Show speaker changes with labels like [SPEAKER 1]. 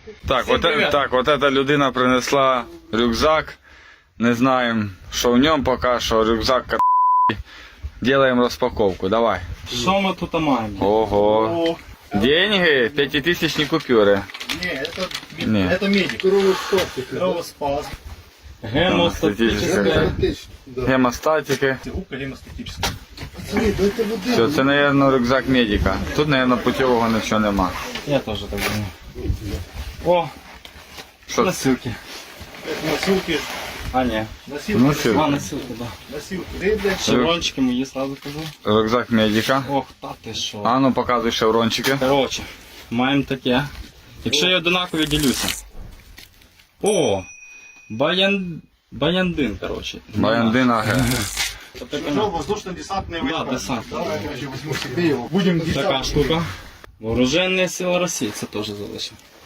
[SPEAKER 1] Так, от эта людина принесла рюкзак. Не знаємо, що в ньому поки що. Рюкзак Делаем розпаковку, давай.
[SPEAKER 2] Що ми тут маємо?
[SPEAKER 1] Ого. Деньги? 5000 купюри.
[SPEAKER 3] Это медик. Кровоспас.
[SPEAKER 2] Гемостатичне.
[SPEAKER 1] Гемостатики.
[SPEAKER 3] Губка гемостатическая.
[SPEAKER 1] Все, це, мабуть, рюкзак медика. Тут, мабуть, путевого нічого нема.
[SPEAKER 2] Я теж так думаю. О,
[SPEAKER 1] Що?
[SPEAKER 2] носилки.
[SPEAKER 3] Носилки.
[SPEAKER 2] А, ні.
[SPEAKER 3] Носилки.
[SPEAKER 1] Носилки.
[SPEAKER 2] А, носилки, да.
[SPEAKER 3] Носилки.
[SPEAKER 2] Шеврончики мої, сразу кажу.
[SPEAKER 1] Рюкзак медика.
[SPEAKER 2] Ох, та ти що.
[SPEAKER 1] А ну показуй шеврончики.
[SPEAKER 2] Коротше, маємо таке. Якщо я одинакові ділюся. О! Баяндин, коротше.
[SPEAKER 1] Баяндин АГ.
[SPEAKER 3] Воздушно-десантные войска.
[SPEAKER 2] Да, десант.
[SPEAKER 3] Давай, я возьму себе его. Будем
[SPEAKER 2] Така штука. Вооруженные сили Росії, це теж залишимо.